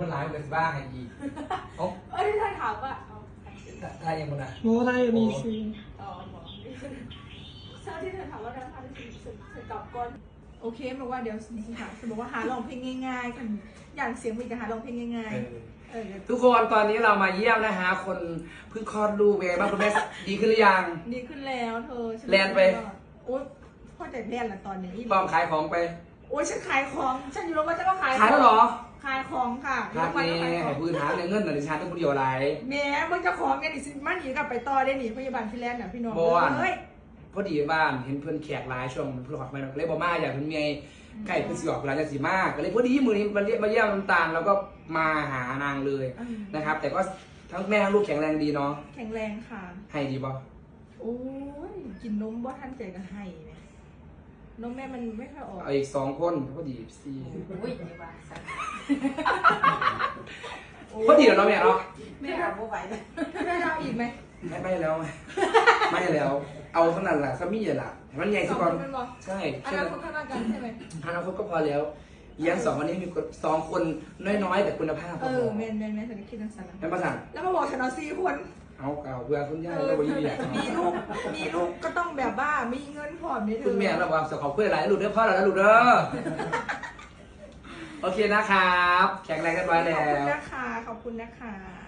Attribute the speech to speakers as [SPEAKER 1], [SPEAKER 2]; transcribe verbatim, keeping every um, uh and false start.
[SPEAKER 1] คนร้ายเป็นบ้าไงอีโอ้
[SPEAKER 2] เอ้ยถ้าถามว่า
[SPEAKER 1] ได้ยังคนอ่ะ
[SPEAKER 3] โอ้ได้มีซี
[SPEAKER 2] อ๋อบอกเช้าที่เธอถามว่าน้ำพันธุ์สุดสุดกับก้นโอเคบอกว่าเดี๋ยวสิค่ะจะบอกว่าหาลองเพลงง่ายๆกันอย่างเสียงมีกันหาลองเพลงง่ายๆเออ
[SPEAKER 1] ทุกคนตอนนี้เรามาเยี่ยมนะฮะคนเพิ่งคลอดลูกเองบ้างคุณแม่ดีขึ้นหรือยัง
[SPEAKER 2] ดีขึ้นแล้วเธอ
[SPEAKER 1] แลนไป
[SPEAKER 2] โอ๊ยพ่อแต่แลนละตอนนี้
[SPEAKER 1] ปลอมขายของไป
[SPEAKER 2] โอ๊ยฉันขายของฉันอยู่โรงพยาบาลฉันก็ขาย
[SPEAKER 1] ขายแล้วเหรอ
[SPEAKER 2] ขายของค่ะ
[SPEAKER 1] ขายนี่ให้พื้นหาเงินหน่อยดิฉันต้องพูดเดียวอะไร
[SPEAKER 2] แม่มึงจะของไงดิสิมันหนีกลับไปต่อได้หนิพยาบาลฟิแลนด์น่ะพี่น้องเฮ้ย
[SPEAKER 1] พอดีบ้านเห็นเพื่อนแขกหลายช่วงเพื่อนขอดมาเลยบอกมาอยากเพื่อนเมียใกล้เพื่อนสิออกเวลาจะสีมากก็เลยพอดีมือนี้มาเยี่ยมมาเยี่ยมน้ำตาลแล้วก็มาหานางเลยนะครับแต่ก็ทั้งแม่ทั้งลูกแข็งแรงดีเนาะ
[SPEAKER 2] แข็งแรงค่ะ
[SPEAKER 1] ให้ดีป่ะ
[SPEAKER 2] โอ้ยกินนมบ่ทันใจกันให้เนี่ยนมแม่มันไม่ค่อยออก
[SPEAKER 1] เอาอีกสองคนพอดีสี่
[SPEAKER 4] อุ้ยไม่ว่าสัก
[SPEAKER 1] พอดีแล้วเนาะแม่เนาะ
[SPEAKER 4] ไม่เอาไม่ไหวเลย
[SPEAKER 2] แม่เอาอีกไหม
[SPEAKER 1] ไม่ไม่แล้วไม่แล้วเอาเท่านั้นแหละสามีแหละมันใหญ่สุดก่อนใช่
[SPEAKER 2] อนาคตข้างหน้ากันใช่ไหม
[SPEAKER 1] อนาคตก็พอแล้วเลี้ยงสองวันนี้มีสองคนน้อยๆแต่คุณภาพ
[SPEAKER 2] เออเมนเมนเมนสันนิษฐานสัน
[SPEAKER 1] แล้วมาสั่ง
[SPEAKER 2] แล้วมาบอกฉันเอาสี่คน
[SPEAKER 1] เอาเก่าเพื่อคุณย่าแล้วไปยี่ห้อ
[SPEAKER 2] มีลูกมีลูกก็ต้องแบบว่ามีเงินพร้อมนี่เธอ
[SPEAKER 1] คุณแม่เราบอกขอบคุณหลายลูกเด้อพ่อเราแล้วลูกเด้อโอเคนะครับแข็งแรงกันไว้แล้ว
[SPEAKER 2] ขอบคุณนะคะขอบคุณนะคะ